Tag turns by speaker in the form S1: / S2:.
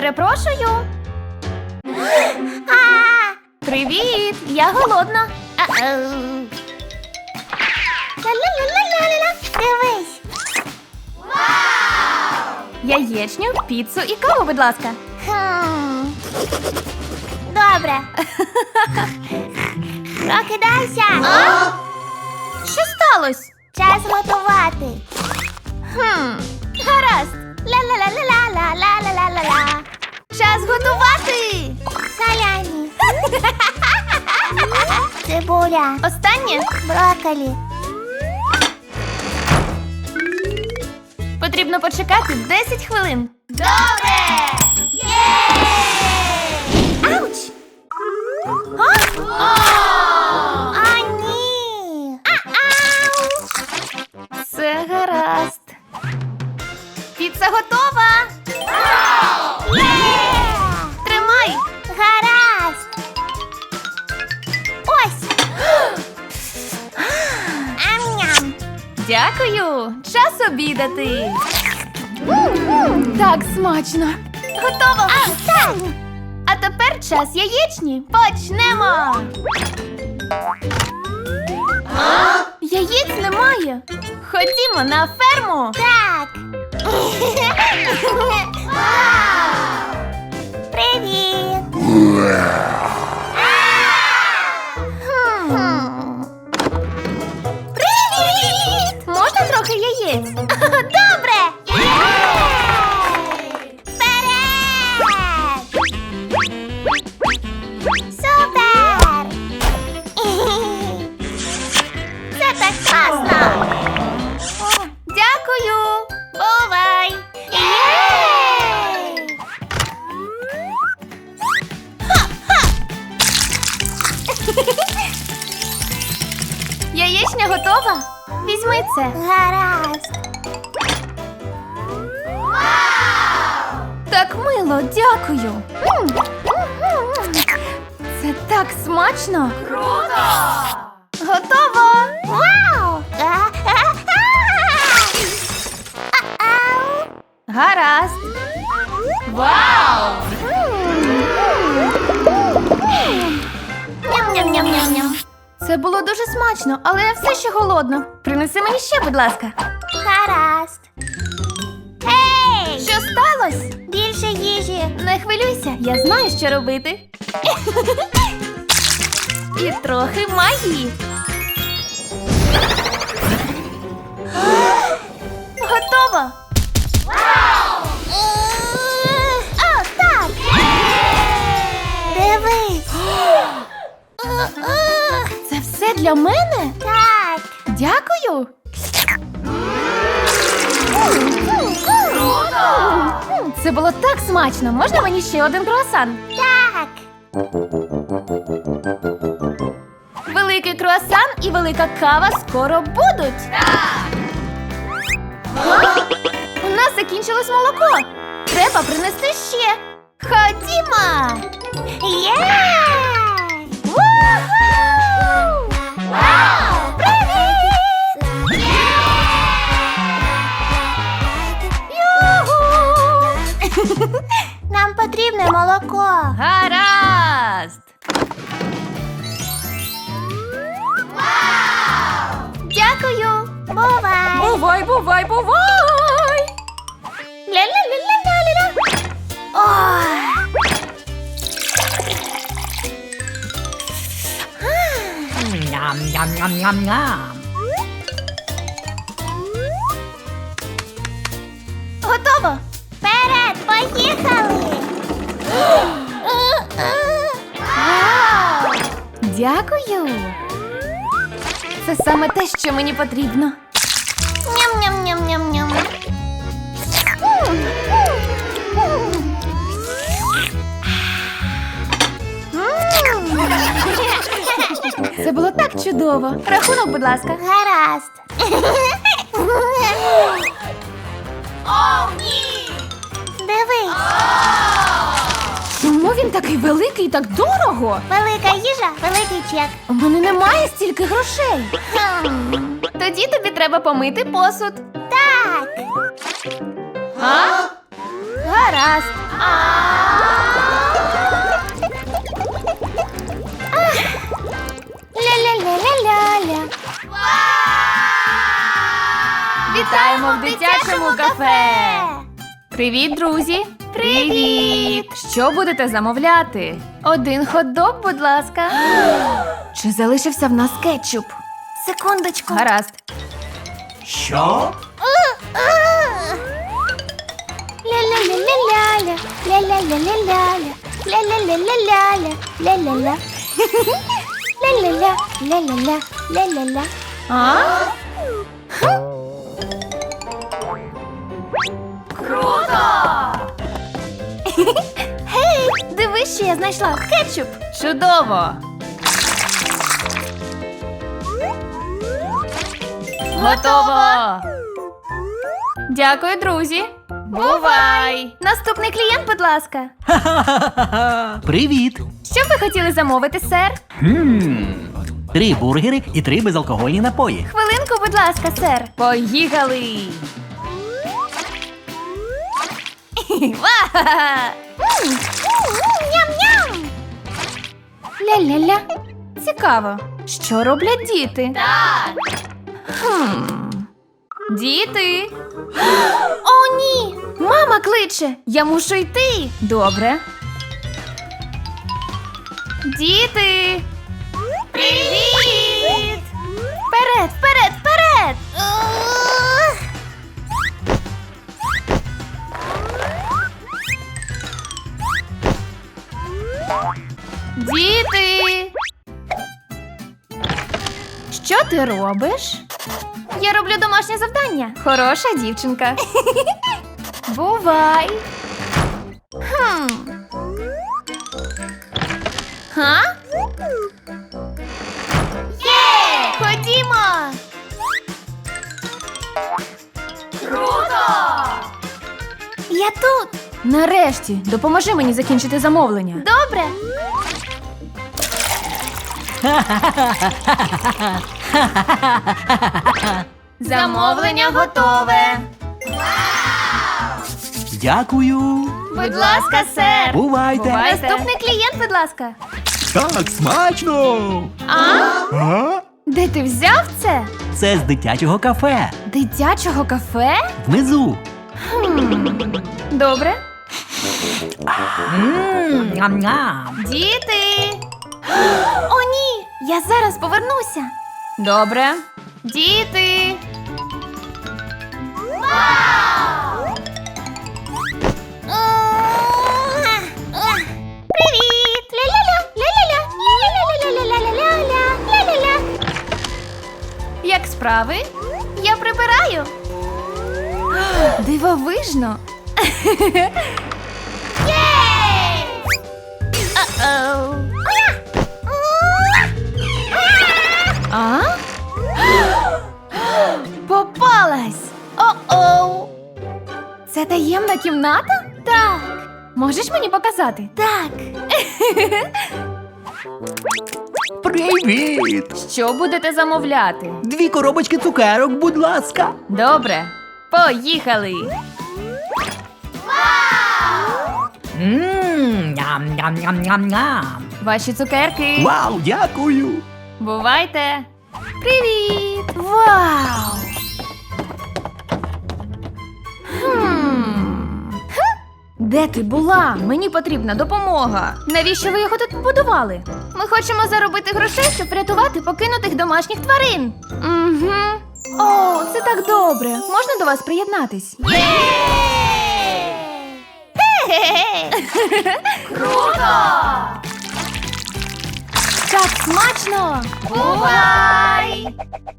S1: Перепрошую. Привіт, я голодна.
S2: Ла-ла-ла-ла-ла-ла. Дивись.
S1: Яєчню, піцу і каву, будь ласка.
S2: Добре. Прокидайся.
S1: Що сталося?
S2: Час готувати.
S1: Гаразд.
S2: Ла-ла-ла-ла-ла-ла-ла-ла-ла.
S1: Час готувати.
S2: Салямі. Цибуля.
S1: Останнє.
S2: Брокколі.
S1: Потрібно почекати 10 хвилин.
S2: Добре! Ауч! А, ні! Ауч!
S1: Все гаразд. Піца готова.
S2: Є!
S1: Тримай.
S2: Гаразд! Ось! Ам-ням!
S1: Дякую. Час обідати. Так смачно. Готово.
S2: Так!
S1: А тепер час яєчні. Почнемо. Яєць немає. Ходімо на ферму.
S2: Так! Привіт! Привіт!
S1: Можна трохи яєць?
S2: Добре! Вперед! Супер! Це так класно!
S1: Дякую.
S2: Бувай! Єй!
S1: Яєчня готова? Візьми це.
S2: Гаразд!
S1: Так мило, дякую. Це так смачно. Круто! Готово!
S2: Вау!
S1: Гаразд. Вау!
S2: Ням-ням-ням-ням-ням.
S1: Це було дуже смачно, але я все ще голодна. Принеси мені ще, будь ласка.
S2: Гаразд. Гей!
S1: Що сталося?
S2: Більше їжі.
S1: Не хвилюйся, я знаю, що робити. І трохи магії. Готово!
S2: О, так! Дивись!
S1: Це все для мене?
S2: Так!
S1: Дякую. Це було так смачно. Можна мені ще один круасан?
S2: Так!
S1: Великий круасан і велика кава скоро будуть. У нас закінчилось молоко. Треба принести ще. Ходімо.
S2: Є! Ву-ху! Вау! Привіт! Юху! Нам потрібне молоко.
S1: Гаразд. Дякую.
S2: Бувай!
S1: Бувай, бувай, бувай.
S2: Ля-ля-ля-ля-ля-ля. Ой!
S3: Ням-ням-ням-ням-ням.
S1: Готово.
S2: Вперед, поїхали!
S1: Дякую. Це саме те, що мені потрібно.
S2: Ням-ням-ням-ням-ням.
S1: Це було так чудово. Рахунок, будь ласка.
S2: Гаразд.
S1: О, ні!
S2: Дивись,
S1: Чому він такий великий і так дорого?
S2: велика їжа, великий чек.
S1: У мене немає стільки грошей.
S2: Хм.
S1: Тоді тобі треба помити посуд.
S2: Так.
S1: Гаразд. Вітаємо в дитячому кафе! Привіт, друзі! Привіт! Що будете замовляти? Один хот-дог, будь ласка. Чи залишився в нас кетчуп?
S2: Секундочку.
S1: Гаразд.
S3: Що?
S2: Ля-ля-ля-ля-ля-ля, ля-ля-ля-ля-ля-ля, ля-ля-ля-ля-ля-ля, ля-ля-ля. Ля-ля-ля, ля-ля-ля, ля-ля-ля.
S1: А? Круто!
S2: Гей, дивись, що я знайшла. Кетчуп.
S1: Чудово! Готово! Дякую, друзі! Бувай!
S2: Наступний клієнт, будь ласка.
S3: Привіт!
S1: Що б ви хотіли замовити, сер?
S3: 3 бургери і 3 безалкогольні напої.
S2: Хвилинку, будь ласка, сер.
S1: Поїхали!
S2: Ням-ням.
S1: Ля-ля-ля. Цікаво, що роблять діти? Так! Діти!
S2: О, ні.
S1: Мама кличе! Я мушу йти! Добре. Діти!
S2: Привіт. Вперед, вперед, вперед.
S1: Діти! Що ти робиш?
S2: Я роблю домашнє завдання.
S1: Хороша дівчинка. Бувай. Га?
S2: Є! Ходімо.
S1: Круто!
S2: Я тут.
S1: Нарешті, допоможи мені закінчити замовлення.
S2: Добре.
S1: Замовлення готове.
S3: Дякую!
S1: Будь ласка, сер.
S3: Бувайте!
S1: Бувайте.
S2: Наступний клієнт, будь ласка.
S3: Так, смачно! А?
S1: Де ти взяв це?
S3: Це з дитячого кафе.
S1: Дитячого кафе?
S3: Внизу.
S1: Добре.
S3: Ням-ням.
S1: Діти.
S2: О, ні. Я зараз повернуся.
S1: Добре. Діти.
S2: Привіт! Ля-ля-ля, ля-ля-ля, ля-ля-ля-ля-ля-ля-ля-ля, ля-ля-ля.
S1: Як справи?
S2: Я прибираю.
S1: Дивовижно.
S2: Єй! О-оу.
S1: А? Попалась. О-оу. Це таємна кімната?
S2: Так,
S1: Можеш мені показати?
S2: так.
S3: Привіт!
S1: Що будете замовляти?
S3: 2 коробочки цукерок, будь ласка.
S1: Добре. Поїхали.
S3: Ням-ням-ням-ням-ням.
S1: Ваші цукерки.
S3: Вау, дякую!
S1: Бувайте. Привіт.
S2: Вау!
S1: Де ти була? Мені потрібна допомога. Навіщо ви його тут побудували?
S2: Ми хочемо заробити грошей, щоб врятувати покинутих домашніх тварин.
S1: Угу. О, це так добре. Можна до вас приєднатись?
S2: Круто!
S1: Так смачно!
S2: Бувай!